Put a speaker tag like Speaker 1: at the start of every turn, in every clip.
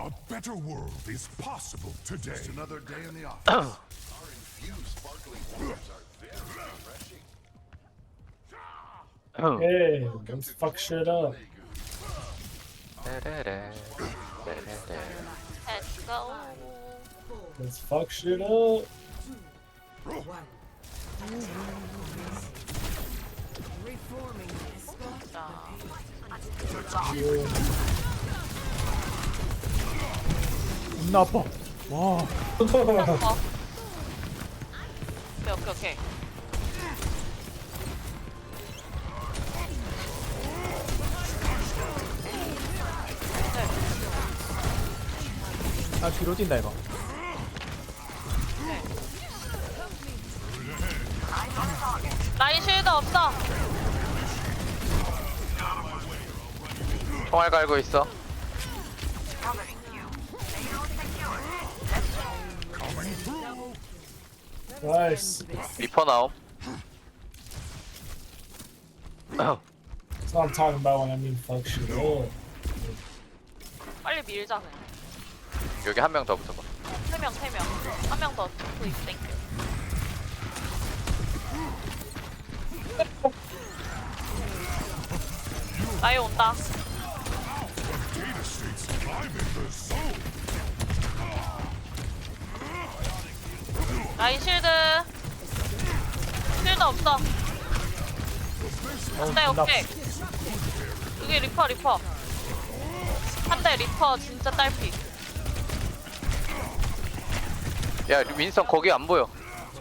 Speaker 1: A better world is possible today.
Speaker 2: Just another day in the office. Our infused sparkling waters are very refreshing.
Speaker 3: Hey, let's fuck shit up.
Speaker 4: Let's go.
Speaker 3: Let's fuck shit up. You.
Speaker 5: 겁나 아파. 와.
Speaker 4: 어. 오케이 오케이 오케이.
Speaker 5: 아 뒤로 뛴다 이거.
Speaker 4: 라인 쉴드 없어.
Speaker 6: 총알 갈고 있어.
Speaker 3: Nice.
Speaker 6: 리퍼 나옴.
Speaker 3: That's what I'm talking about when I mean fuck shit up.
Speaker 4: 빨리 밀자 그냥.
Speaker 6: 여기 한 명 더 붙어봐.
Speaker 4: 3명 3명. 한 명 더. 플리즈 땡큐. 라인 온다. 라인 쉴드. 쉴드 없어. 네 오케이. 여기 리퍼 리퍼. 한 대 리퍼 진짜 딸피.
Speaker 6: 야 윈선 거기 안 보여.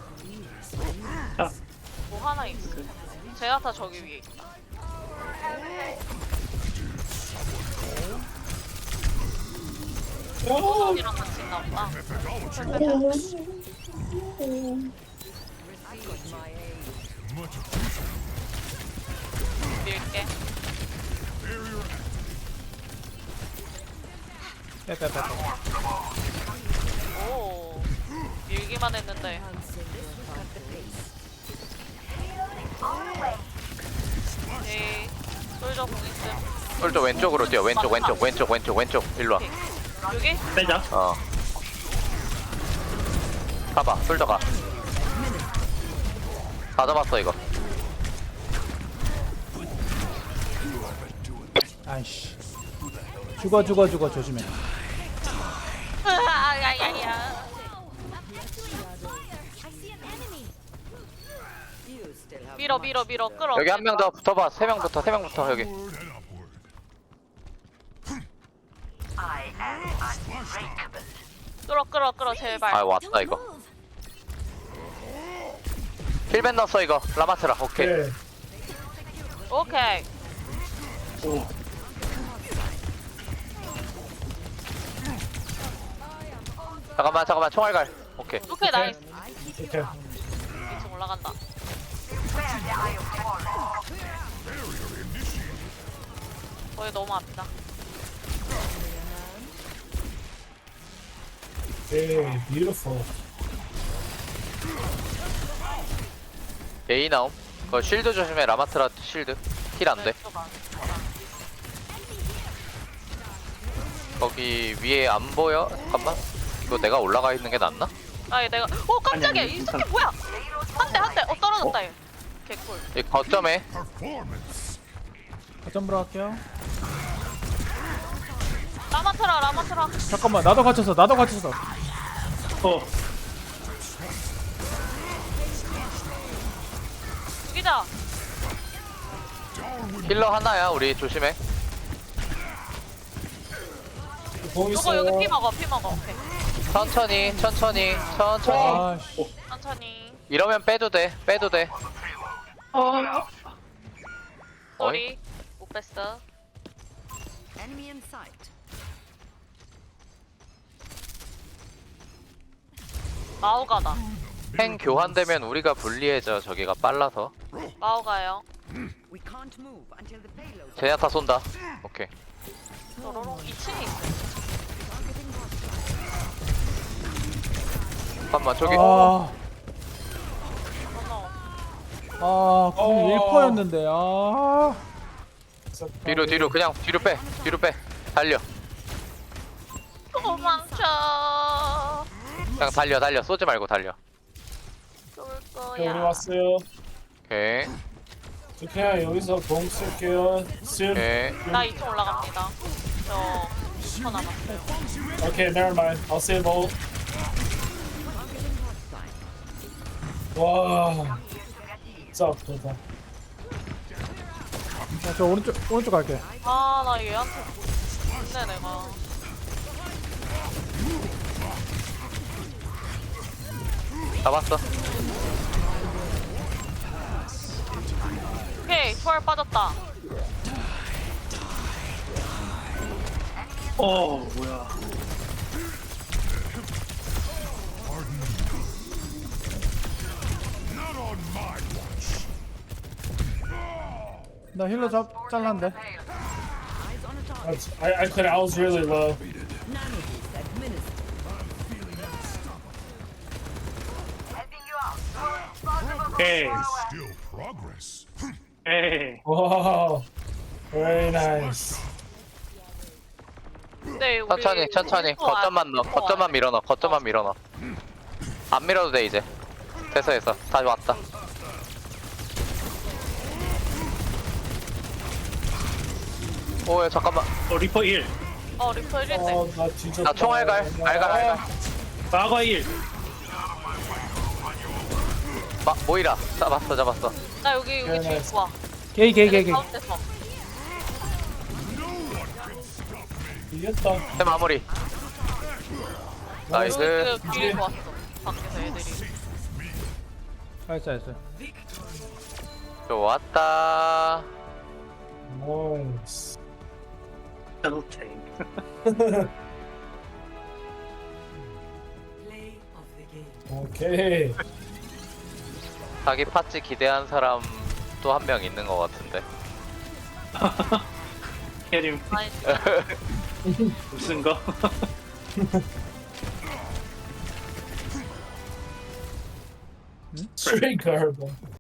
Speaker 4: 뭐 하나 있어. 제나타 저기 위에 있다. 호석이랑 같이 있나 보다. 밀게.
Speaker 5: 빼빼빼.
Speaker 4: 오. 밀기만 했는데. 에이. 솔저 공 있음.
Speaker 6: 솔저 왼쪽으로 뛰어. 왼쪽 왼쪽 왼쪽 왼쪽 왼쪽. 일로 와.
Speaker 4: 여기?
Speaker 7: 빼자.
Speaker 6: 어. 가봐. 솔저 가. 다 잡았어 이거.
Speaker 5: 아이씨. 죽어 조심해.
Speaker 4: 야야야. 밀어 끌어.
Speaker 6: 여기 한 명 더 붙어봐. 세 명부터 세 명부터 여기.
Speaker 1: Upward and upward.
Speaker 4: 끌어 제발.
Speaker 6: 아 왔다 이거. 힐벤 넣었어 이거. 라마트라. 오케이.
Speaker 3: Okay.
Speaker 4: 오케이.
Speaker 6: 잠깐만 총알 갈. 오케이.
Speaker 4: 오케이 나이스.
Speaker 3: Okay.
Speaker 4: 2층 올라간다. 거기 너무 아프다.
Speaker 3: Hey, beautiful.
Speaker 6: A 나옴. 그 쉴드 조심해. 라마트라 쉴드. 힐 안 돼.
Speaker 4: 왼쪽 안.
Speaker 6: 거기 위에 안 보여? 잠깐만. 이거 내가 올라가 있는 게 낫나?
Speaker 4: 아 내가 깜짝이야.
Speaker 7: 아니,
Speaker 4: 이 새끼 뭐야? 한 대. 떨어졌다 얘. 개꿀.
Speaker 6: 이 거점에
Speaker 1: Performance.
Speaker 5: 거점 보러 갈게요.
Speaker 4: 라마트라.
Speaker 5: 잠깐만 나도 갇혔어.
Speaker 4: 죽이자.
Speaker 6: 힐러 하나야. 우리 조심해.
Speaker 3: 공
Speaker 4: 요거 여기 피
Speaker 3: 있어요.
Speaker 4: 먹어. 오케이.
Speaker 6: 천천히.
Speaker 5: 아씨.
Speaker 4: 천천히.
Speaker 6: 이러면 빼도 돼.
Speaker 4: 쏘리. 못 뺐어.
Speaker 8: Enemy in sight.
Speaker 4: 마오가다.
Speaker 6: 행 교환되면 우리가 불리해져. 저기가 빨라서.
Speaker 4: 마오가요.
Speaker 8: We can't move until the payload.
Speaker 6: 제냐타 쏜다. 오케이.
Speaker 4: 또로롱 2층에 있어.
Speaker 6: 잠깐만 저기.
Speaker 4: 어머.
Speaker 5: 공 1%였는데.
Speaker 6: 뒤로 그냥 뒤로 빼. 달려.
Speaker 4: 도망쳐.
Speaker 6: 그냥 달려 쏘지 말고 달려.
Speaker 4: 쏠
Speaker 3: 우리
Speaker 4: 거야.
Speaker 3: 왔어요.
Speaker 6: 오케이
Speaker 3: 그냥 여기서 공 쓸게요. soon.
Speaker 6: 오케이.
Speaker 4: 나 2층 올라갑니다. 저 10초 남았어요.
Speaker 3: Okay, never mind. I'll save all. 와. 썩 좋다.
Speaker 5: 저 오른쪽 갈게.
Speaker 4: 아, 나 얘한테 죽네, 내가.
Speaker 6: 잡았어.
Speaker 4: 오케이, 초월 빠졌다.
Speaker 1: Not on my watch.
Speaker 5: 나 힐러 잘랐는데.
Speaker 8: Eyes on a target.
Speaker 3: I could. I was really low.
Speaker 8: Nanoboost administered.
Speaker 1: Still progress.
Speaker 3: Wow. Very nice.
Speaker 4: 근데 우리
Speaker 6: 천천히
Speaker 4: 우리 또
Speaker 6: 거점만 넣어. 거점만 밀어넣어. 거점만 밀어넣어. 안 밀어도 돼 이제. 됐어 다 왔다. 오야 잠깐만.
Speaker 4: 리퍼 1대.
Speaker 3: 나 진짜.
Speaker 6: 나 총알갈 알갈.
Speaker 7: 과거 1
Speaker 6: 모이라 잡았어.
Speaker 4: 나 여기 제일 좋아.
Speaker 5: 게이.
Speaker 4: 가운데서.
Speaker 3: 이겼다.
Speaker 6: 내 마무리. 나이스.
Speaker 4: 여기 뒤에 좋았어. 밖에서 애들이.
Speaker 5: 나이스.
Speaker 6: 좋았다.
Speaker 3: Nice.
Speaker 7: 텔로테인
Speaker 3: Okay.
Speaker 6: 자기 팟찌 기대한 사람 또 한 명 있는 것 같은데.
Speaker 7: 캐림
Speaker 4: 아니,
Speaker 7: 무슨 거?
Speaker 3: Straight garbage.